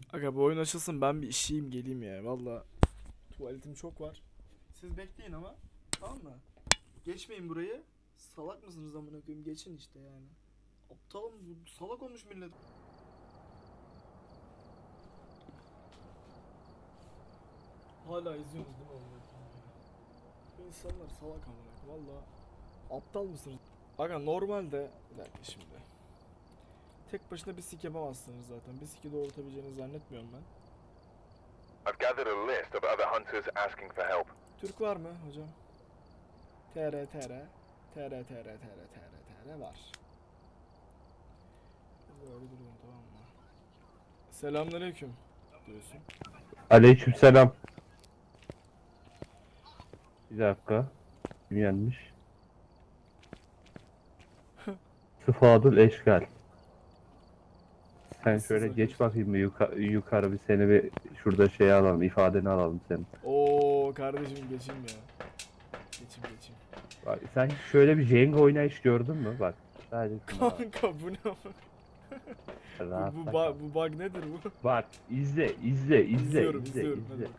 Aga bu oyun açılsın, ben bir işeyim geleyim ya. Valla tuvaletim çok var. Siz bekleyin ama, tamam mı? Geçmeyin burayı. Salak mısınız amına koyayım? Geçin işte yani. Aptalım, bu salak olmuş millet. Hala izliyorsunuz değil mi amına koyayım? Bu insanlar salak amına koyayım. Valla aptal mısınız? Aga normalde bir dakika şimdi. Tek başına bir sik yapamazsınız zaten. Bir siki doğrultabileceğinizi zannetmiyorum ben. I've gathered a list of other hunters asking for help. Türk var mı hocam? TR var. Böyle duruyorum, tamam mı? Selamünaleyküm diyorsun. Aleykümselam. Bir dakika. Kim yenmiş? Sıfadül Eşkal. Sen Nasılsınız şöyle geç arkadaşlar? bakayım bir yukarı bir seni bir şurada şey alalım, ifadeni alalım senin. Oo kardeşim geçeyim ya. Geçeyim. Bak, sen şöyle bir Jenga oynayış gördün mü? Bak. Sadece şuna bak. Kanka bu ne ama? Rahat Bu kal. bug nedir bu? Bak izle. İzliyorum. Hadi bakalım.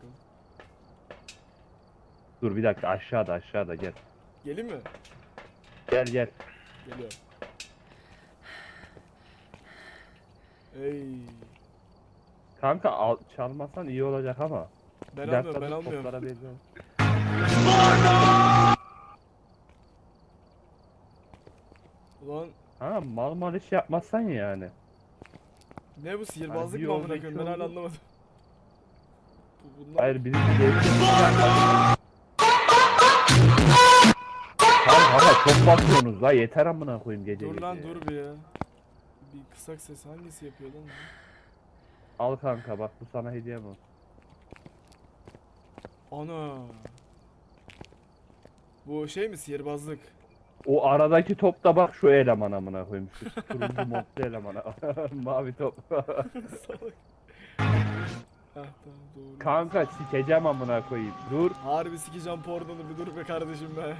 Dur bir dakika aşağıda gel. Gelin mi? Gel. Geliyorum. Ey. Kanka çalmasan iyi olacak ama. Ben Bir dakika almıyorum, dur, toplara bir- Ulan Ha mal iş yapmazsan yani. ne bu, sihirbazlık bir mı amına oldu, koyayım? iki Ben hala oldu. anlamadım. Bunlar... Hayır birisi geldi. Kanka çok bakıyorsunuz la yeter amına koyayım gece Dur lan gece. dur bir ya. Bir kısak ses hangisi yapıyor lan? Al kanka bak bu sana hediyem olsun. Ana. Bu şey mi, sihirbazlık? O aradaki top da bak şu eleman amına koyayım. Şu turuncu modlu elemana. Mavi top. Salak. Heh tamam doğru. Kanka sikeceğim amına koyayım. Dur. Harbi sikeceğim pornonu, bir dur be kardeşim be.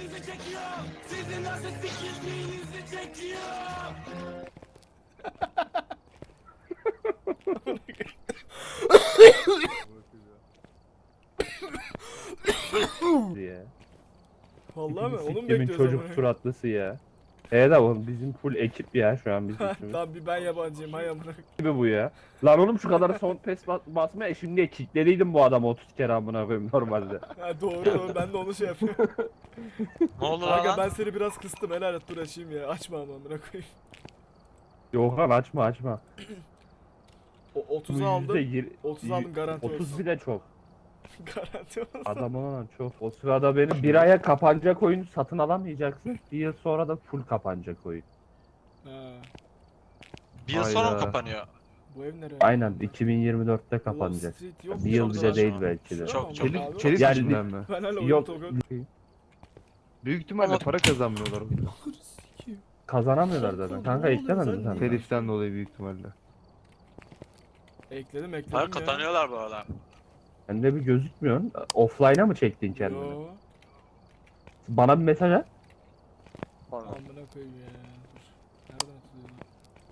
diye. Vallahi mi? Onu mu Siktimin bekliyoruz çocuk amına? suratlısı ya. Evet oğlum bizim full ekip ya şu an bizim üçümüz. Tamam bir ben yabancıyım, hay amına. Gibi bu ya. Lan oğlum şu kadar son pes basmaya şimdi kilitlediydim bu adamı 30 kere amına koyayım normalde. Ha doğru, ben de onu şey yapıyorum. Ne oldu Kanka lan? ben seni biraz kıstım, helal et, dur açayım ya. Açma ama amına koyayım. Yok lan açma. O 30'u Bu aldım. yüzde 30 aldım, garanti 30 olsun. bile çok. Garanti olsun. Adam olan çok. O sırada benim bir aya kapanacak oyunu satın alamayacaksın. Bir yıl sonra da full kapanacak oyun. Ha, Bir yıl sonra mı Hayda. kapanıyor? bu ev nereye? Aynen 2024'te Wall kapanacak. Street yok Bir yıl mu bile orada? değil saçma. belki de. Çok- Tamam çok- abi. Çelik Yani- yüzünden mi? Ben hala Yok. oyun Büyük ihtimalle Ama- para kazanmıyorlar. Kazanamıyorlar zaten. Kanka eklemedin mi sen? Teliften dolayı büyük ihtimalle. Ekledim Para ya. kazanıyorlar bu arada. Bende bir gözükmüyorsun. Offline'a mı çektin kendini? Yo. Bana bir mesaj at. Pardon. Amına koyayım ya. Dur. Nereden atılıyor lan?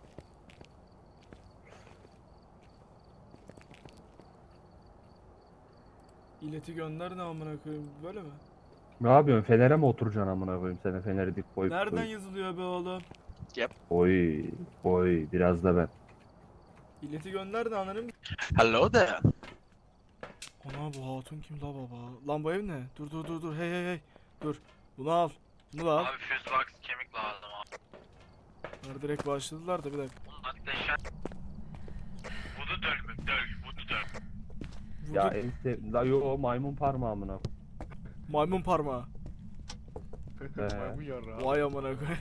İleti gönder, ne amına koyayım, böyle mi? Ne yapıyorsun? Fener'e mi oturacaksın amına koyayım seni Fener'i dik koyup Nereden koyup. yazılıyor be oğlum? Oy biraz da ben. İleti gönder de ananım. Hello there. Ana bu hatun kim la baba? Lan bu ev ne? Dur hey. Dur. Bunu al. Bunu da al. Abi fuse box kemik lazım abi. Bunlar direkt başladılar da bir dakika. Bunlar deşen. Vudu döl mü? Vudu döl. Ya Vurduk. la yo maymun parmağı amına. Maymun parmağı. Maymun yarrağı. Vay amına koyayım.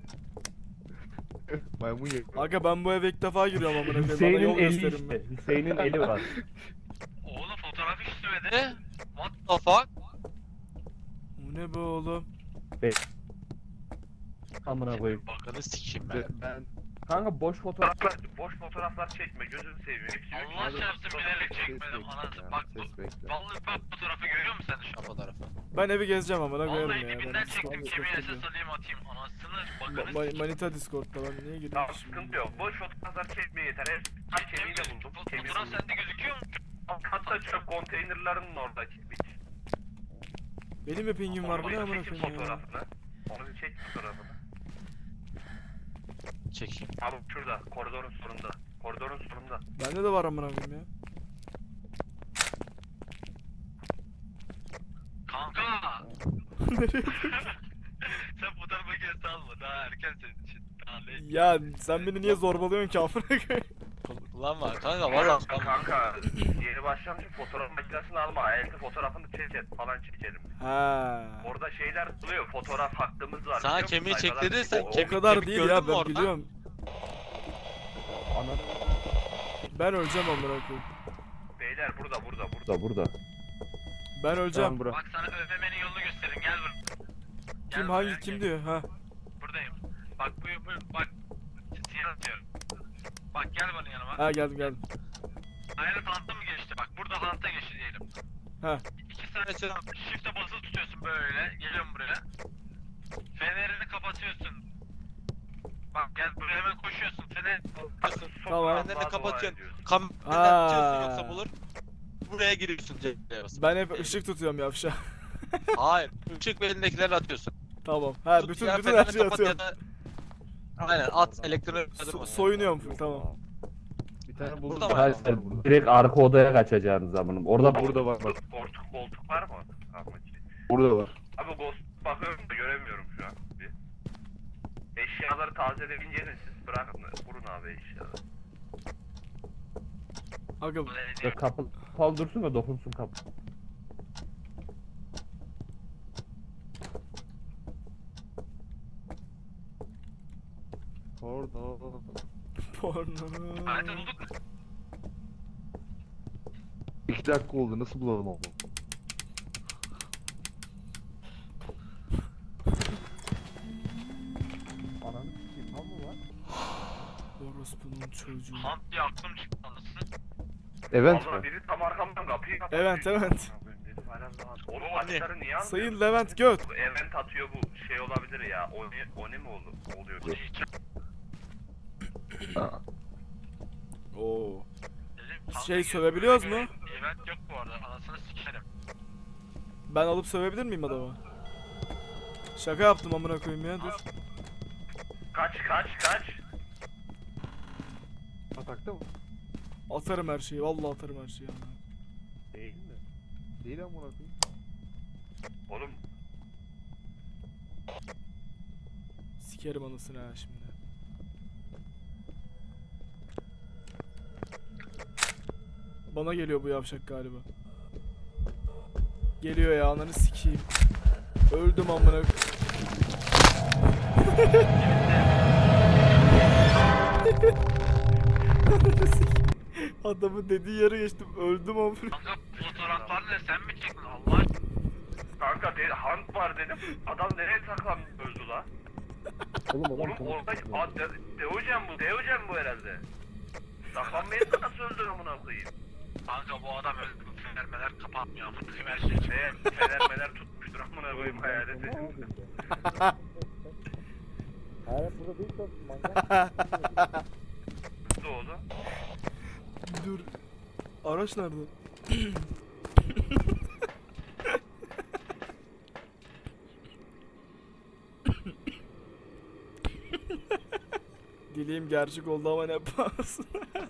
Maymun yarrağı. Aga ben bu eve ilk defa giriyorum amına koyayım. Bana Hüseyin'in yol eli gösterin mi? işte. Hüseyin'in eli var. Oğlum fotoğraf istemedi. What the fuck? Bu ne be oğlum? Amına koyayım. Bakanı sikeyim ben. Ben Kanka boş fotoğraflar çekme gözünü seveyim. Allah çarpsın bilerek çekmedim Ses anasını. bekle Bak ya, ses bekle. vallahi bak fotoğrafı görüyor musun sen şu an fotoğrafı? Ben evi gezeceğim amına koyarım Vallahi ya. dibinden Ben çektim Discord'da kimin takılıyorum. SS alayım atayım anasını bakanı Manita Discord'da, ben niye gireyim Tamam ki şimdi? sıkıntı yok. Boş fotoğraflar çekmeye yeter. Her kemiği de buldum. Kemiği Fotoğraf Aa sende gözüküyor mu? Hatta çöp konteynerlarının oradaki bir. Benim de pingim var. Bu ne amına Çek koyayım ya? fotoğrafını. Onu bir çek fotoğrafını. Çekeyim. Abi şurada, koridorun sonunda. Koridorun sonunda. Bende de var amına koyayım ya. Kanka. Nereye? Sen fotoğraf makinesi alma. Daha erken senin için. Daha late. Ya sen beni niye zorbalıyorsun ki amına koyayım? Kullanma kanka valla. Kanka, yeni başlamışım fotoğraf makinesini alma. Elde fotoğrafını çek falan çekelim. Ha. Orada şeyler oluyor, fotoğraf hakkımız var. Sana biliyor musun? kemiği Sayfalar- çektirirsen O- O kemik- kadar kemik değil gördün ya mü ben orada? biliyorum. Ananı Ben öleceğim amına koyayım. Beyler burada. da burada. Ben öleceğim. Tamam bırak. Bak sana övmemenin yolunu gösterin gel buraya. Gel Kim buraya, hangi gel. kim diyor? Ha. Buradayım. Bak bak. Siyah atıyorum. Bak gel bana yanıma. Ha geldim. Hayalet hanta mı geçti? Bak burada hanta geçti diyelim. Ha. 2 saniye sonra shift'e basılı tutuyorsun böyle. Geliyorum buraya. Fenerini kapatıyorsun. Bak gel buraya hemen koşuyorsun. Fener kapatıyorsun. Tamam. Fenerini kapatıyorsun. ediyorsun. Kamerayı Aa. açıyorsun yoksa bulur. Buraya giriyorsun C'ye basıp. Ben hep ışık tutuyorum yavşa. Hayır. Işık ve elindekileri atıyorsun. Tamam. Ha Tut bütün ya, bütün fenerini her şeyi kapat ya atıyorum. da- Aynen at elektronik Soyunuyorum full tamam. Bir tane buldum. Burada var. Hayır, direkt arka odaya kaçacağınız zamanım. Orada Burada var bak. Koltuk var mı? Tamam. Burada var. Abi ghost bakıyorum da göremiyorum şu an. Bir. Eşyaları tazeleyebileceğiniz siz bırakın. Vurun abi eşyaları. Aga kapı kapalı dursun da dokunsun kapı. Orada. porno. Harita bulduk mu? 2 dakika oldu. Nasıl bulalım onu? Ananı sikeyim tam mı var? Orospunun çocuğu. Hunt diye aklım çıktı anasını. Evet Vallahi mi? biri tam arkamdan kapıyı kapattı. Evet. Oğlum haritaları niye almıyor? Sayın Levent Göt. Bu event atıyor bu şey olabilir ya. Oni mi oluyor? Bu hiç Oo. dedim. Şey sövebiliyoruz mu? Event yok bu arada anasını sikerim. Ben alıp sövebilir miyim adamı? Şaka yaptım amına koyayım ya dur. Kaç. Atakta mı? Atarım her şeyi vallahi atarım her şeyi. amına. Değil mi? Değil amına koyayım. Oğlum Sikerim anasını ha şimdi. Bana geliyor bu yavşak galiba. Geliyor ya ananı sikeyim. Öldüm amına. Ananı sikeyim. Adamın dediği yere geçtim. Öldüm amına. Kanka fotoğraflarını sen mi çektin Allah aşkına? kanka hunt var dedim. Adam nereye saklanmış öldü la? Oğlum orada Deojen bu herhalde. Saklanmayı nasıl öldür amına koyayım? Kanka bu adam öldü. Fenermeler kapatmıyor amına koyayım her şeyi. Fenermeler tutmuştur amına koyayım hayaleti. Ne oldu? Dur. Araç nerede? Dileğim gerçek oldu ama ne pahasına.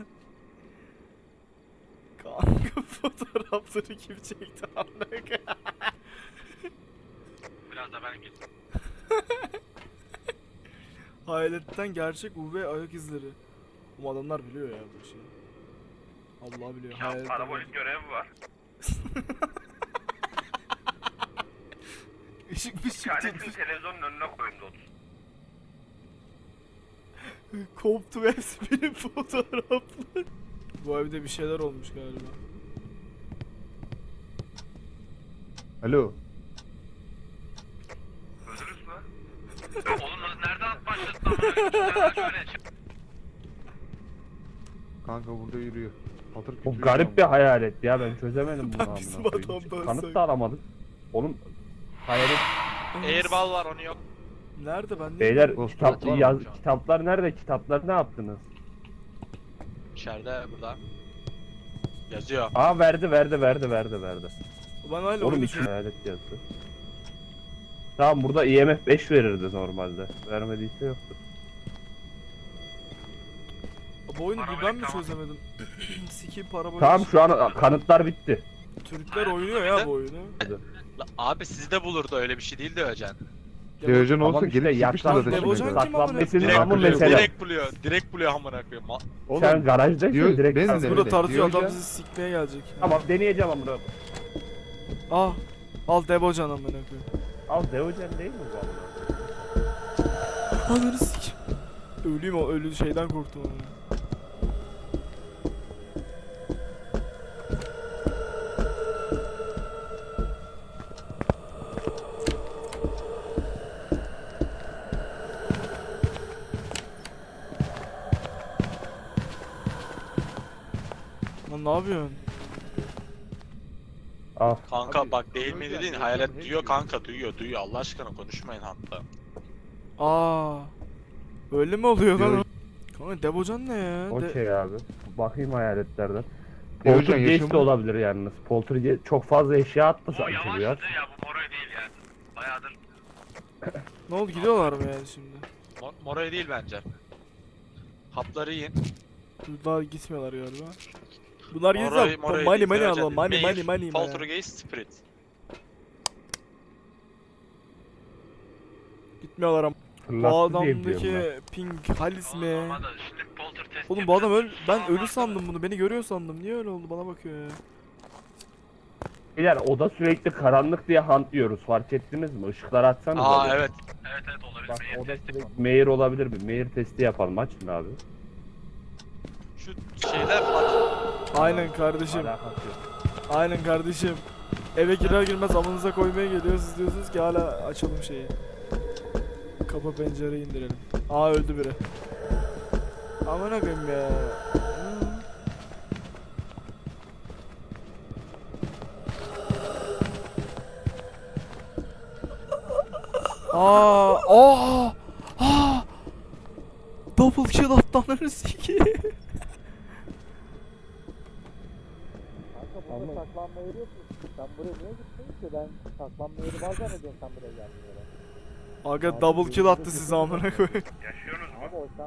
Kanka fotoğrafları kim çekti anlık? Biraz da ben gittim. Hayaletten gerçek UV ayak izleri. Bu adamlar biliyor ya bu işi. Allah biliyor. Ya Hayaletten parabolik görevi var. Işık Bir ışık tanesini tut. televizyonun önüne koyun Dot. Koptu hepsi benim fotoğraflar. Bu evde bir şeyler olmuş galiba. Alo. Öldürürüz mü? Oğlum nereden başladın amına koyayım? Şöyle çık. Kanka burada yürüyor. Patır Bu kütür garip bir yürüyor. hayalet ya ben çözemedim bunu Ben amına bizim koyayım. adamdan Kanıt say- da aramadık. Oğlum hayalet Airball var onu yok. Nerede ben? beyler Ghost kitap, var mı yaz, şu an? kitaplar nerede? Kitapları ne yaptınız? İçeride burada. Yazıyor. Aa verdi. Ben hala Oğlum oyunu iki hayalet yazdı. Tamam burada IMF 5 verirdi normalde. Vermediyse yoktur. Bu oyunu bir Parabolik ben mi tamam. çözemedim? Sikiyim parabolik. Tamam şu an kanıtlar bitti. Türkler oynuyor ya bu oyunu. La, abi sizde bulurdu öyle bir şey değil de Öcan. Deojen Tamam olsa işte gelip sikmişti yaklan- zaten Devocan şimdi. kim amına? Saklanmasının Direkt, amı buluyor, mesela. direkt buluyor amına koyayım. Oğlum, Sen garajdaysın diyor- direkt. ben Tamam. de- Burada tartıyor adam Deojen- bizi sikmeye gelecek. Tamam deneyeceğim amına. Ah. Al Debocan amına koyayım. Al Deojen değil mi bu amına? Ananı sikeyim. Öleyim o ölü şeyden korktum ama. Lan ne yapıyorsun? Al. Kanka Abi, bak değil mi Öcan, dedin Öcan hayalet hep duyuyor diyor. kanka duyuyor Allah aşkına konuşmayın hatta. Aa. Öyle mi oluyor lan? Deojen- Kanka Debocan ne ya? Okey abi. Bakayım hayaletlerden. Deojen Poltergeist de yaşamı- olabilir yalnız. Poltergeist çok fazla eşya attı O sanki bu ya. yavaşladı ya bu Moray değil yani. Bayağıdır. Ne oldu gidiyorlar mı yani şimdi? Moray değil bence. Hapları yiyin. Bunlar gitmiyorlar galiba. Bunlar Moray, gitse Moray money değil, money Öcan alalım değil. money. Maeve, Poltergeist, Spirit. Gitmiyorlar ama. Bu Fırlattı diye biliyorum ben. adamdaki ping Halis mi? Olmadı, şimdi polter test Oğlum bu adam yapacağız. ben ölü sandım bunu. Beni görüyor sandım. Niye öyle oldu? Bana bakıyor ya. Beyler oda sürekli karanlık diye hunt diyoruz. Fark ettiniz mi? Işıkları açsanız. Aa evet. Evet olabilir. Bak Maeve oda testi yapalım. sürekli Mayor olabilir mi? Mayor testi yapalım. Açın abi. Şu şeyler aç. Aynen kardeşim. Alakası yok. Aynen kardeşim. Eve girer girmez amınıza koymaya geliyor. Siz diyorsunuz ki hala açalım şeyi. Kapı pencereyi indirelim. Aa öldü biri. Aman koyayım ya. Hı. Double kill attı ananı sikeyim. Ama saklanma yeri yok mu? Sen buraya niye gittin ki? Ben saklanma yeri var zannediyorum sen buraya geldiğinde. Aga double kill attı size amına koyayım. Yaşıyorsunuz mu? Abi o